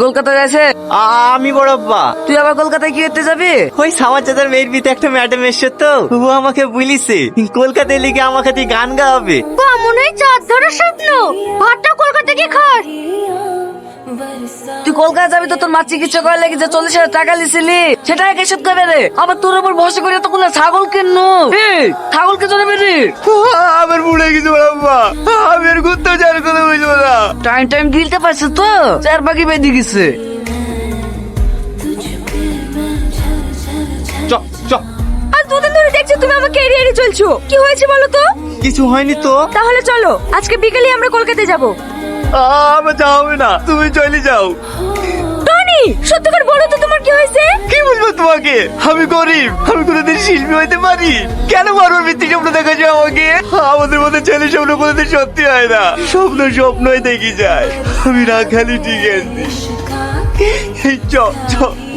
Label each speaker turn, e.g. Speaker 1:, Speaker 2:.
Speaker 1: কলকাতা যাচ্ছে?
Speaker 2: আমি বড় আব্বা।
Speaker 1: তুই আবার কলকাতায় কি করতে যাবি?
Speaker 2: ওই সামার চাচার মেয়ের বিতে একটা ম্যাডাম এসছে তো, ও আমাকে বলিছে কলকাতায় লিখে আমাকে তুই গান গাওয়াবে।
Speaker 3: মনে হয় চাঁদ ধরার স্বপ্ন। ভাতটা কলকাতা কি খাস?
Speaker 1: তুই কলকাতা যাবি তো তোর মা চিকিৎসা করার লেগে যে 40,000 টাকা লিছিলি সেটা কে শোধ করবে রে? আবার তোর উপর ভরসা করে এতগুলো ছাগল কিনু, ছাগল কে চলে বেরি?
Speaker 2: আমার বুড়ে গেছে বড় আব্বা, আমি আর ঘুরতেও যাওয়ার কথা বুঝবো না।
Speaker 1: টাইম টাইম গিলতে পারছিস তো? চার বাকি বেঁধে গেছে।
Speaker 2: চ চ।
Speaker 3: আর দুদিন ধরে দেখছি তুমি আমাকে এড়িয়ে এড়িয়ে চলছো, কি হয়েছে বলো তো?
Speaker 2: কিছু হয়নি তো।
Speaker 3: তাহলে চলো আজকে বিকেলে আমরা কলকাতায় যাব।
Speaker 2: আমার যাওয়া হবে না, তুমি চলে যাও।
Speaker 3: টনি সত্যি করে বলো তো তোমার কি হয়েছে?
Speaker 2: কি বুঝবো তোমাকে? আমি গরিব, আমি কোনোদিন শিল্পী হইতে পারি? কেন বারবার মিথ্যে স্বপ্ন দেখাচ্ছ আমাকে? আমাদের মধ্যে ছেলে স্বপ্ন কোনোদিন সত্যি হয় না, স্বপ্ন স্বপ্নই দেখি যায়। আমি না খালি ঠিক আছে। এই চ চ